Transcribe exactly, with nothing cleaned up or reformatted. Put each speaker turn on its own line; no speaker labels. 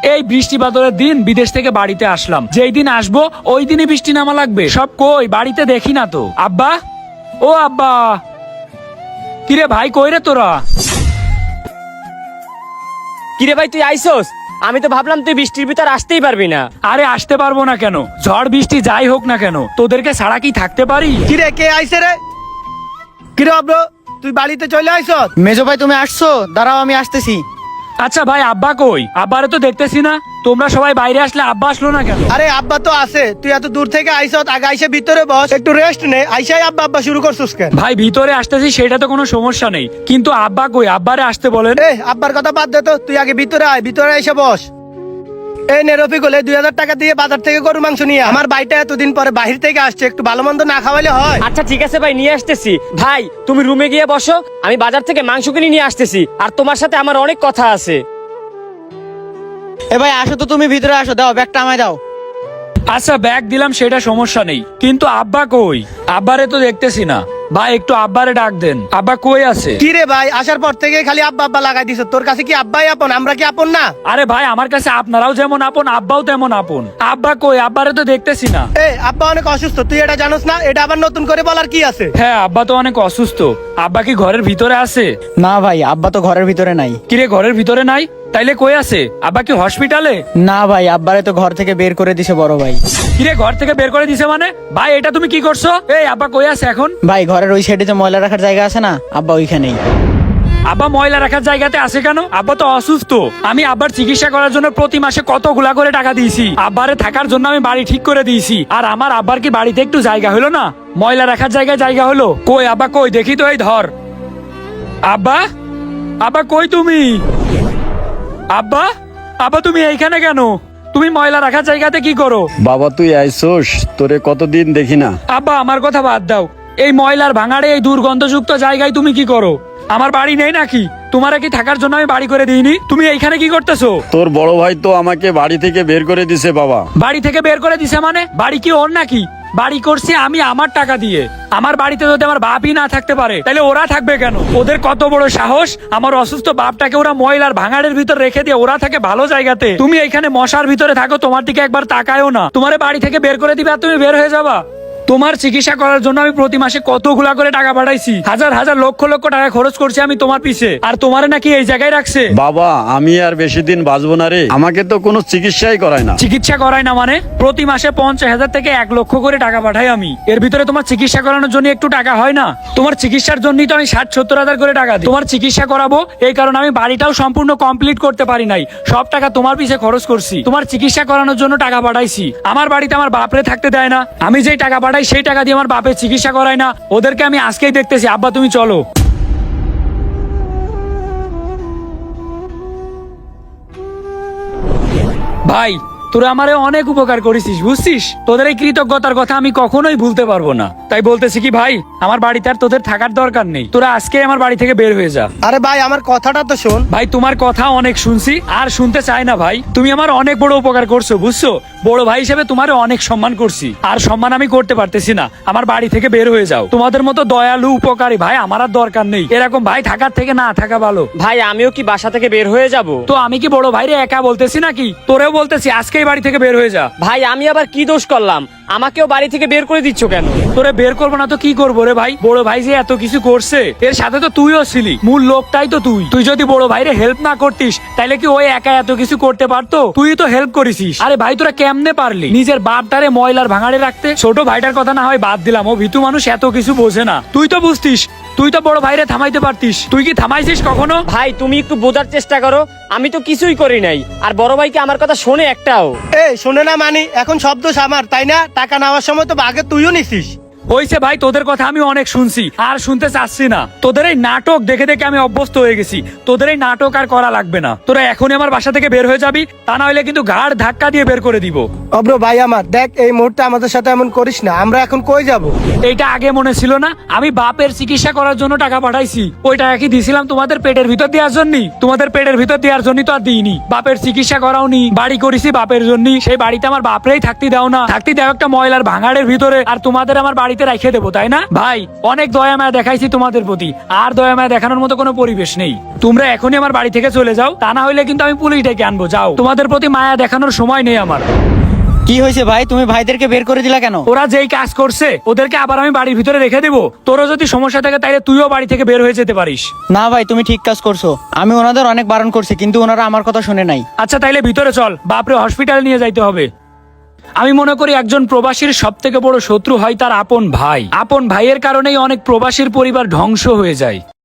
এই বৃষ্টি বাদলের দিন বিদেশ থেকে বাড়িতে আসলাম, যেই দিন আসবো ওই দিনই বৃষ্টি নামা লাগবে। সব কই, বাড়িতে দেখি না তো। আব্বা, ও আব্বা, কিরে ভাই কই রে তোরা?
কিরে ভাই তুই আইসোস? আমি তো ভাবলাম তুই বৃষ্টির ভিতর আসতেই পারবি না।
আরে আসতে পারবো না কেন, ঝড় বৃষ্টি যাই হোক না কেন তোদেরকে ছাড়া কি থাকতে পারি?
কিরে কে আইছে রে? কিরে অব্র, তুই বাড়িতে চলে আইছ?
মেজো ভাই তুমি আসছো, দাঁড়াও আমি আসতেছি।
আচ্ছা ভাই আব্বা কই? আব্বারে তো দেখতেছি না। তোমরা সবাই বাইরে আসলে আব্বা আসলো না কেন?
আরে আব্বা তো আছে, তুই এত দূর থেকে আইছ, আগে আইসে ভিতরে বস, একটু রেস্ট নে। আইসাই আব্বা আব্বা শুরু করছিস কেন?
ভাই ভিতরে আসতেছি সেটা তো কোনো সমস্যা নেই, কিন্তু আব্বা কই? আব্বারে আসতে বলেন।
এ আব্বার কথা বাদ দে তো, তুই আগে ভিতরে আয়, ভিতরে এসে বস। এই নে রফিকুল, এই দুই হাজার টাকা দিয়ে বাজার থেকে গরু মাংস নিয়ে আয়। আমার ভাইটা এতদিন পরে বাহির থেকে আসছে, একটু ভালো মন্দ না খাওয়াইলে হয়?
আচ্ছা ঠিক আছে ভাই, নিয়ে আসতেছি। ভাই তুমি রুমে গিয়ে বসো, আমি বাজার থেকে মাংস কিনে নিয়ে আসতেছি, আর তোমার সাথে আমার অনেক কথা আছে।
এ ভাই আসো তো, তুমি ভিতরে আসো, দাও ব্যাগটা আমায় দাও।
আচ্ছা ব্যাগ দিলাম সেটা সমস্যা নেই, কিন্তু আব্বা কই? আব্বারে তো দেখতেছি না। ভাই একটু আব্বারে ডাক দেন, আব্বা কই আছে?
কি রে ভাই, আসার পর থেকে খালি আব্বা আব্বা লাগাই দিছ। তোর কাছে কি আব্বাই আপন, আমরা কি আপন না?
আরে ভাই আমার কাছে আপনারাও যেমন আপন, আব্বাও তেমন আপন। আব্বা কই? আব্বারে তো দেখতেছি না।
এ আব্বা অনেক অসুস্থ, তুই এটা জানোস না? এটা আবার নতুন করে বলার কি আছে?
হ্যাঁ আব্বা তো অনেক অসুস্থ। আব্বা কি ঘরের ভিতরে আছে?
না ভাই, আব্বা তো ঘরের ভিতরে নাই।
কিরে ঘরের ভিতরে নাই? তাইলে কই আছে? আব্বা কি হসপিটালে?
না ভাই, আব্বারে তো ঘর থেকে বের করে দিছে বড় ভাই।
কিরে ঘর থেকে বের করে দিছে মানে? ভাই এটা তুমি কি করছো? এই আব্বা কই আছে এখন?
ভাই ঘরের ওই সাইডে যে ময়লা রাখার জায়গা আছে না, আব্বা ওইখানেই।
আব্বা ময়লা রাখার জায়গাতে আছে কেন? আব্বা তো অসুস্থ। আমি আব্বার চিকিৎসা করার জন্য প্রতি মাসে কতগুলা করে টাকা দিয়েছি। আব্বারে থাকার জন্য আমি বাড়ি ঠিক করে দিয়েছি, আর আমার আব্বার কি বাড়িতে একটু জায়গা হলো না? ময়লা রাখার জায়গায় জায়গা হলো? কই আব্বা কই? দেখি তো, এই ধর। আব্বা, আব্বা কই তুমি? আব্বা, আব্বা তুমি এইখানে কেন? তুমি ময়লা রাখার জায়গাতে কি করো?
বাবা তুই আইসোস, তোরে কতদিন দেখি না।
আব্বা আমার কথা বাদ দাও, এই ময়লার ভাঙাড়ে এই দুর্গন্ধযুক্ত জায়গায় তুমি কি করো? আমার বাড়ি নেই নাকি? তোমার কি থাকার জন্য আমি বাড়ি করে দিইনি? তুমি এইখানে কি করতেছো?
তোর বড় ভাই তো আমাকে বাড়ি থেকে বের করে দিছে বাবা।
বাড়ি থেকে বের করে দিছে মানে? বাড়ি কি ওর নাকি? বাড়ি করছি আমি আমার টাকা দিয়ে। আমার বাড়িতে যদি আমার বাপই না থাকতে পারে তাহলে ওরা থাকবে কেন? ওদের কত বড় সাহস, আমার অসুস্থ বাপটাকে ওরা ময়লার ভাঙাড়ের ভিতর রেখে দিয়ে ওরা থাকে ভালো জায়গাতে। তুমি এইখানে মশার ভিতরে থাকো, তোমার দিকে একবার তাকায়ও না। তোমার বাড়ি থেকে বের করে দিবে আর তুমি বের হয়ে যাবা? তোমার চিকিৎসা করার জন্য আমি প্রতি মাসে কতগুলা করে টাকা পাঠাইছি, হাজার হাজার লক্ষ লক্ষ টাকা খরচ করছি আমি তোমার পিছে, আর তোমারে নাকি এই জায়গায় রাখছে?
বাবা আমি আর বেশি দিন বাঁচবো না রে, আমাকে তো কোনো চিকিৎসাই করায় না।
চিকিৎসা করাই না মানে? প্রতি মাসে পঞ্চাশ হাজার থেকে এক লক্ষ করে টাকা পাঠাই আমি। এর ভিতরে তোমার চিকিৎসা করানোর জন্য একটু টাকা হয় না? তোমার চিকিৎসার জন্যই তো আমি ষাট সত্তর হাজার করে টাকা দিই। তোমার চিকিৎসা করাবো এই কারণে আমি বাড়িটাও সম্পূর্ণ কমপ্লিট করতে পারি নাই, সব টাকা তোমার পিছে খরচ করছি। তোমার চিকিৎসা করানোর জন্য টাকা পাঠাইছি। আমার বাড়িতে আমার বাপরে থাকতে দেয় না, আমি যেই টাকা পাঠাই সেই টাকা দিয়ে আমার বাপের চিকিৎসা করাই না। ওদেরকে আমি আজকেই দেখতেছি। আব্বা তুমি চলো। ভাই তোরা আমারে অনেক উপকার করেছিস, বুঝছিস? তোদের এই কৃতজ্ঞতার কথা আমি কখনোই ভুলতে পারবো না। তাই বলতেছি কি ভাই, আমার বাড়িতে আর তোদের থাকার দরকার নেই। তোরা আজকে আমার বাড়ি থেকে বের হয়ে যা।
আরে ভাই আমার কথাটা তো শোন।
ভাই তোমার কথা অনেক শুনছি, আর শুনতে চাই না ভাই। তুমি আমার অনেক বড় উপকার করছো, বুঝছো? বড় ভাই হিসেবে তোমার অনেক সম্মান করছি, আর সম্মান আমি করতে পারতেছি না। আমার বাড়ি থেকে বের হয়ে যাও। তোমাদের মতো দয়ালু উপকারী ভাই আমার আর দরকার নেই। এরকম ভাই থাকার থেকে না থাকা ভালো।
ভাই আমিও কি বাসা থেকে বের হয়ে যাব?
তো আমি কি বড় ভাইরে একা বলতেছি নাকি? তোরেও বলতেছি আজকেই বাড়ি থেকে বের হয়ে যা।
ভাই আমি আবার কি দোষ করলাম? আমাকেও বাড়ি থেকে বের করে দিচ্ছ কেন?
তোরে বের করবো না তো কি করবো রে ভাই? বড় ভাই যে এত কিছু করছে, এর সাথে তো তুইও ছিলি, মূল লোকটাই তো তুই। তুই যদি বড় ভাইরে হেল্প না করতিস তাহলে কি ওই একা এত কিছু করতে পারতো? তুই তো হেল্প করেছিস। আরে ভাই তোরা কেমনে পারলি নিজের বাপটারে ময়লার ভাঙাড়ে রাখতে? ছোট ভাইটার কথা না হয় বাদ দিলাম, ও ভিতু মানুষ, এত কিছু বোঝে না। তুই তো বুঝতিস, তুই তো বড় ভাইরে থামাইতে পারতিস। তুই কি থামাইছিস কখনো?
ভাই তুমি একটু বোঝার চেষ্টা করো, আমি তো কিছুই করি নাই। আর বড় ভাই কি আমার কথা শোনে একটাও?
এ শোনে না মানে? এখন শব্দ আমার, তাই না? টাকা নেওয়ার সময় তো আগে তুইও নিছিস।
হইছে ভাই, তোদের কথা আমি অনেক শুনছি, আর শুনতে চাচ্ছি না। তোদের এই নাটক দেখে দেখে আমি অভ্যস্ত হয়ে গেছি। তোদের এই নাটক আর করা লাগবে না। তোরা এখনই আমার বাসা থেকে বের হয়ে যাবি, তা না হলে কিন্তু ঘাড় ধাক্কা দিয়ে বের করে দিব।
অব্র ভাই আমার, দেখ এই মুহূর্তে আমাদের সাথে এমন করিস না। আমরা এখন কই যাব?
এইটা আগে মনে ছিল না? আমি বাপের চিকিৎসা করার জন্য টাকা পাঠাইছি। ওই টাকা কি দিছিলাম তোমাদের পেটের ভিতর দেওয়ার জন্য? তোমাদের পেটের ভিতর দেওয়ার জন্য তো আর দিইনি। বাপের চিকিৎসা করাওনি, বাড়ি করেছি বাপের জন্য। সেই বাড়িতে আমার বাপরেই থাকতে দাও না, থাকতে দাও একটা ময়লার ভাঙাড়ের ভিতরে। আর তোমাদের আমার বাড়িতে বাড়িতে রেখে দেবো, তাই না? ভাই, অনেক দয়া মায়া দেখাইছি তোমাদের প্রতি, আর দয়া মায়া দেখানোর মতো কোনো পরিবেশ নেই। তোমরা এখনই আমার বাড়ি থেকে চলে যাও, তা না হইলে কিন্তু আমি পুলিশ ডেকে আনবো। যাও, তোমাদের প্রতি মায়া দেখানোর সময় নেই আমার।
কি হয়েছে ভাই, তুমি ভাইদেরকে বের করে দিলা কেন?
ওরা যেই কাজ করছে ওদেরকে আবার আমি বাড়ির ভিতরে রেখে দেবো? তোরও যদি সমস্যা থাকে তাইলে তুইও বাড়ি থেকে বের হয়ে যেতে পারিস।
না ভাই, তুমি ঠিক কাজ করছো। আমি ওনাদের অনেক বারণ করছি, কিন্তু ওনারা আমার কথা শুনে নাই।
আচ্ছা, তাইলে ভিতরে চল, বাপরে হসপিটালে নিয়ে যাইতে হবে। আমি মনে করি একজন প্রবাসীর সব থেকে বড় শত্রু হয় তার আপন ভাই। আপন ভাইয়ের কারণেই অনেক প্রবাসীর পরিবার ধ্বংস হয়ে যায়।